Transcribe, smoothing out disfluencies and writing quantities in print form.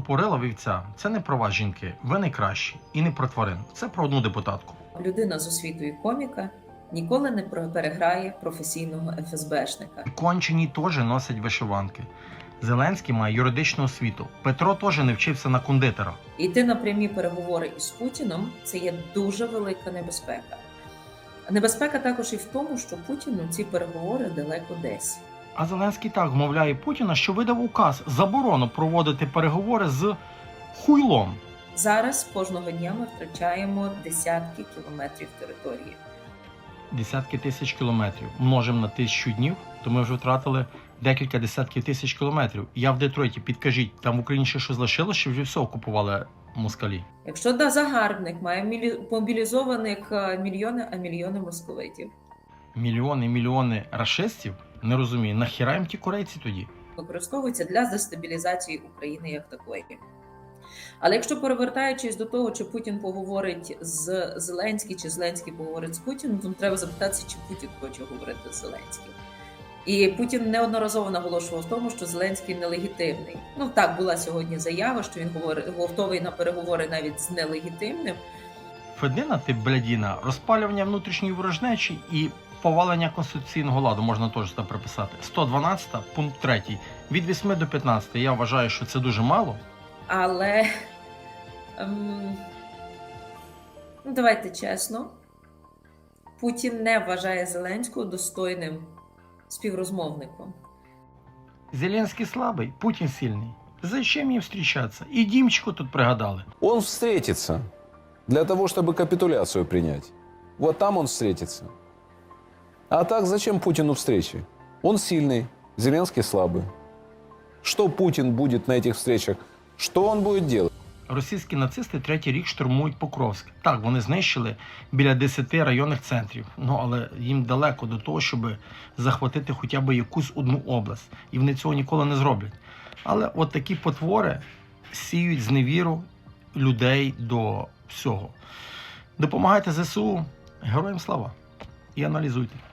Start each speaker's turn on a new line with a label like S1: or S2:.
S1: порила вівця – це не про вас, жінки. Ви найкращі. І не про тварин. Це про одну депутатку.
S2: Людина з освітою коміка ніколи не переграє професійного ФСБшника.
S1: Кончені теж носять вишиванки. Зеленський має юридичну освіту. Петро теж не вчився на кондитера.
S2: Йти на прямі переговори із Путіном – це є дуже велика небезпека. Небезпека також і в тому, що Путіну ці переговори далеко десь.
S1: А Зеленський так вмовляє Путіна, що видав указ заборону проводити переговори з хуйлом.
S2: Зараз кожного дня ми втрачаємо десятки кілометрів території.
S1: Десятки тисяч кілометрів. Множимо на 1000 днів, то ми вже втратили декілька десятків тисяч кілометрів. Я в Детройті, підкажіть, там в Україні ще щось залишилось, чи вже все окупували москалі?
S2: Якщо загарбник має мобілізованих мільйони московитів,
S1: Мільйони рашистів? Не розумію, нахіра їм ті корейці тоді?
S2: використовується для дестабілізації України як такої. Але якщо перевертаючись до того, чи Путін поговорить з Зеленським, чи Зеленський поговорить з Путіним, то треба запитатися, чи Путін хоче говорити з Зеленським. І Путін неодноразово наголошував в тому, що Зеленський нелегітимний. Ну так, була сьогодні заява, що він готовий на переговори навіть з нелегітимним.
S1: Федина ти блядіна, розпалювання внутрішньої ворожнечі і повалення конституційного ладу можна теж там приписати. 112 пункт 3. Від 8 до 15. Я вважаю, що це дуже мало.
S2: Але давайте чесно, Путін не вважає Зеленського достойним співрозмовником.
S1: Зеленський слабий, Путін сильний. Зачем їм зустрічатися? І Дімчику тут пригадали.
S3: Он встретится для того, чтобы капитуляцию принять. Вот там он встретится. А так зачем Путину встречи? Он сильный, Зеленский слабый. Что Путин будет на этих встречах? Что он будет делать?
S1: Російські нацисти третій рік штурмують Покровськ. Так, вони знищили біля 10 районних центрів. Ну, але їм далеко до того, щоб захватити хоча б якусь одну область. І вони цього ніколи не зроблять. Але от такі потвори сіють зневіру людей до всього. Допомагайте ЗСУ, героям слава. І аналізуйте.